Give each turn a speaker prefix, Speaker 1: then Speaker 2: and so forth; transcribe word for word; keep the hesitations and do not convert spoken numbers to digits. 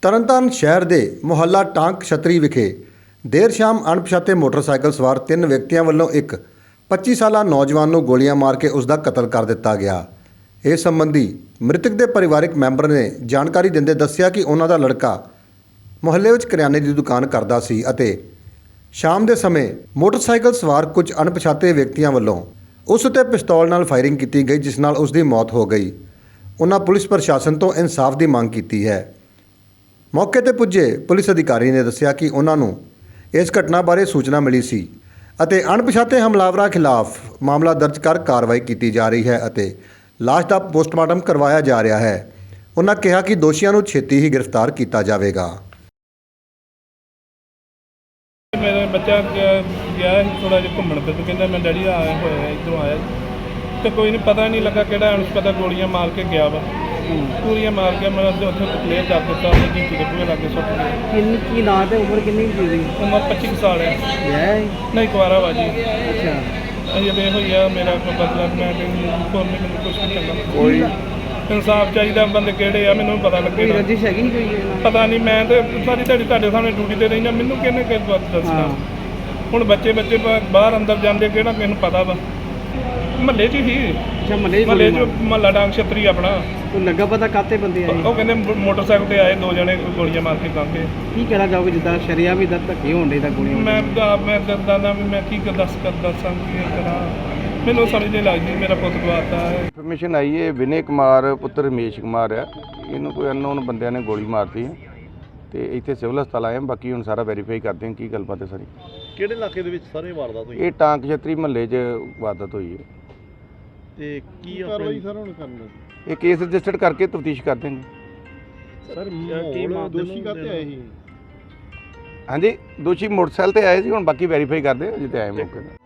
Speaker 1: ਤਰਨਤਾਰਨ ਸ਼ਹਿਰ ਦੇ ਮੁਹੱਲਾ ਟਾਂਕ ਛਤਰੀ ਵਿਖੇ ਦੇਰ ਸ਼ਾਮ ਅਣਪਛਾਤੇ ਮੋਟਰਸਾਈਕਲ ਸਵਾਰ ਤਿੰਨ ਵਿਅਕਤੀਆਂ ਵੱਲੋਂ ਇੱਕ ਪੱਚੀ ਸਾਲਾ ਨੌਜਵਾਨ ਨੂੰ ਗੋਲੀਆਂ ਮਾਰ ਕੇ ਉਸ ਦਾ ਕਤਲ ਕਰ ਦਿੱਤਾ ਗਿਆ। ਇਸ ਸੰਬੰਧੀ ਮ੍ਰਿਤਕ ਦੇ ਪਰਿਵਾਰਕ ਮੈਂਬਰ ਨੇ ਜਾਣਕਾਰੀ ਦਿੰਦੇ ਦੱਸਿਆ ਕਿ ਉਹਨਾਂ ਦਾ ਲੜਕਾ ਮੁਹੱਲੇ ਵਿੱਚ ਕਰਿਆਨੇ ਦੀ ਦੁਕਾਨ ਕਰਦਾ ਸੀ ਅਤੇ ਸ਼ਾਮ ਦੇ ਸਮੇਂ ਮੋਟਰਸਾਈਕਲ ਸਵਾਰ ਕੁਝ ਅਣਪਛਾਤੇ ਵਿਅਕਤੀਆਂ ਵੱਲੋਂ ਉਸ ਉੱਤੇ ਪਿਸਤੌਲ ਨਾਲ ਫਾਇਰਿੰਗ ਕੀਤੀ ਗਈ, ਜਿਸ ਨਾਲ ਉਸ ਦੀ ਮੌਤ ਹੋ ਗਈ। ਉਹਨਾਂ ਪੁਲਿਸ ਪ੍ਰਸ਼ਾਸਨ ਤੋਂ ਇਨਸਾਫ ਦੀ ਮੰਗ ਕੀਤੀ ਹੈ। ਮੌਕੇ ਤੇ ਪੁੱਜੇ ਪੁਲਿਸ ਅਧਿਕਾਰੀ ਨੇ ਦੱਸਿਆ ਕਿ ਉਹਨਾਂ ਨੂੰ ਇਸ ਘਟਨਾ ਬਾਰੇ ਸੂਚਨਾ ਮਿਲੀ ਸੀ ਅਤੇ ਅਣਪਛਾਤੇ ਹਮਲਾਵਰਾਂ ਖਿਲਾਫ ਮਾਮਲਾ ਦਰਜ ਕਰ ਕਾਰਵਾਈ ਕੀਤੀ ਜਾ ਰਹੀ ਹੈ ਅਤੇ ਲਾਸ਼ ਦਾ ਪੋਸਟਮਾਰਟਮ ਕਰਵਾਇਆ ਜਾ ਰਿਹਾ ਹੈ। ਉਹਨਾਂ ਕਿਹਾ ਕਿ ਦੋਸ਼ੀਆਂ ਨੂੰ ਛੇਤੀ ਹੀ ਗ੍ਰਿਫਤਾਰ ਕੀਤਾ ਜਾਵੇਗਾ।
Speaker 2: ਮੇਰਾ ਬੱਚਾ ਗਿਆ ਸੀ ਥੋੜਾ ਜਿਹਾ ਘੁੰਮਣ ਤੇ ਕਹਿੰਦਾ ਮੈਂ ਡੈਡੀ ਆਇਆ ਹੋਇਆ ਇੱਧਰੋਂ ਆਇਆ ਤੇ ਕੋਈ ਨਹੀਂ ਪਤਾ ਨਹੀਂ ਲੱਗਾ ਕਿਹੜਾ ਅਣਪਛਾਤਾ ਗੋਲੀਆਂ ਮਾਰ ਕੇ ਗਿਆ ਵਾ। ਪੂਰੀਆਂ ਮਾਰ ਕੇ ਮੈਂ ਉੱਥੇ ਕਲੀਅਰ ਕਰ ਦਿੱਤਾ ਉਹਨੇ ਜੀਤੀ ਦੇ ਪੂਰੇ ਲਾਗੇ ਸੁੱਟ ਗਿਆ।
Speaker 3: ਕਿੰਨੀ ਕੀ ਨਾਂ ਤੇ ਉਮਰ ਕਿੰਨੀ ਕੁ ਸੀ?
Speaker 2: ਉਮਰ ਪੱਚੀ ਕੁ ਸਾਲ ਹੈ।
Speaker 3: ਵਿਆਹ
Speaker 2: ਨਹੀਂ ਕੁਆਰਾ ਵਾ ਜੀ।
Speaker 3: ਅੱਛਾ
Speaker 2: ਅਜੇ ਵੇ ਹੋਈ ਆ ਮੇਰਾ ਕੋਈ ਬਦਲਾ ਮੈਂ ਕੋਈ ਮੈਨੂੰ ਕੁਛ ਨਹੀਂ ਚੰਗਾ ਕੋਈ ਇਨਸਾਫ ਚਾਹੀਦਾ। ਬੰਦੇ ਕਿਹੜੇ ਆ ਮੈਨੂੰ ਪਤਾ ਲੱਗੇ।
Speaker 3: ਕੋਈ ਰੰਜਿਸ਼ ਹੈਗੀ ਕੋਈ
Speaker 2: ਪਤਾ ਨਹੀਂ। ਮੈਂ ਤੇ ਸਾਰੀ ਤੁਹਾਡੀ ਤੁਹਾਡੇ ਸਾਹਮਣੇ ਡਿਊਟੀ ਤੇ ਰਹਿਣਾ, ਮੈਨੂੰ ਕਿਹਨੇ ਕਿਸ ਬਾਤ ਦੱਸਣਾ। ਹੁਣ ਬੱਚੇ ਬੱਚੇ ਬਾਹਰ ਅੰਦਰ ਜਾਂਦੇ ਕਿਹੜਾ ਕਿਸੇ ਨੂੰ ਪਤਾ ਵਾ। ਮਹੱਲੇ 'ਚ ਹੀ
Speaker 3: ਅੱਛਾ ਮਹੱਲੇ
Speaker 2: ਮਹੱਲੇ 'ਚ ਮਹੱਲਾ ਡਾਂਗ ਛਤਰੀ ਆਪਣਾ
Speaker 3: ਕੋਈ ਲੱਗਾ ਪਤਾ ਕਾਤੇ ਬੰਦੇ ਆਏ?
Speaker 2: ਉਹ ਕਹਿੰਦੇ ਮੋਟਰਸਾਈਕਲ ਤੇ ਆਏ ਦੋ ਜਣੇ ਗੋਲੀਆਂ ਮਾਰ ਕੇ ਕਾਂਗੇ।
Speaker 3: ਕੀ ਕਹਿਣਾ ਚਾਹੋਗੇ ਜਿੱਦਾਂ ਸ਼ਰੀਆ ਵੀ ਦਾ ਧੱਕੇ ਹੋਣ ਦੇ ਤਾਂ ਗੋਲੀਆਂ?
Speaker 2: ਮੈਂ ਤਾਂ ਮੈਂ ਦੱਸਦਾ ਨਾ ਵੀ ਮੈਂ ਕੀ ਦੱਸ ਕਰ ਦੱਸਾਂ ਕੀ ਕਰਾਂ, ਮੈਨੂੰ ਸਮਝ ਨਹੀਂ ਲੱਗਦੀ। ਮੇਰਾ ਪੁੱਤ ਗਵਾਤਾ ਹੈ।
Speaker 4: ਇਨਫੋਰਮੇਸ਼ਨ ਆਈ ਹੈ ਵਿਨੇ ਕੁਮਾਰ ਪੁੱਤਰ ਰਮੇਸ਼ ਕੁਮਾਰ ਆ, ਇਹਨੂੰ ਕੋਈ ਅਨਨੋਨ ਬੰਦਿਆਂ ਨੇ ਗੋਲੀ ਮਾਰਤੀ ਹੈ ਤੇ ਇੱਥੇ ਸਿਵਲ ਹਸਪਤਾਲ ਆਏ ਹਾਂ। ਬਾਕੀ ਹੁਣ ਸਾਰਾ ਵੈਰੀਫਾਈ ਕਰਦੇ ਹਾਂ ਕੀ ਗੱਲਬਾਤ ਹੈ ਸਾਰੀ।
Speaker 5: ਕਿਹੜੇ ਇਲਾਕੇ ਦੇ ਵਿੱਚ ਸਾਰੇ ਵਾਰਦਾਤ ਹੋਈ
Speaker 4: ਇਹ ਟਾਂਕ ਛਤਰੀ ਮਹੱਲੇ 'ਚ ਵਾਰਦਾਤ ਹੋਈ ਹੈ
Speaker 5: ਤੇ ਕੀ ਕਾਰਵਾਈ ਸਰ ਹੁਣ ਕਰਨਾ?
Speaker 4: ਇਹ ਕੇਸ ਰਜਿਸਟਰਡ ਕਰਕੇ ਤਫਤੀਸ਼ ਕਰਦੇ ਨੇ।
Speaker 5: ਸਰ ਕੀ ਦੋਸ਼ੀ ਕਾਤੇ ਆਏ ਸੀ?
Speaker 4: ਹਾਂਜੀ ਦੋਸ਼ੀ ਮੋਟਰਸਾਈਕਲ ਤੇ ਆਏ ਸੀ, ਹੁਣ ਬਾਕੀ ਵੈਰੀਫਾਈ ਕਰਦੇ ਹਾਂ ਜਿੱਤੇ ਆਏ ਮੌਕੇ 'ਤੇ।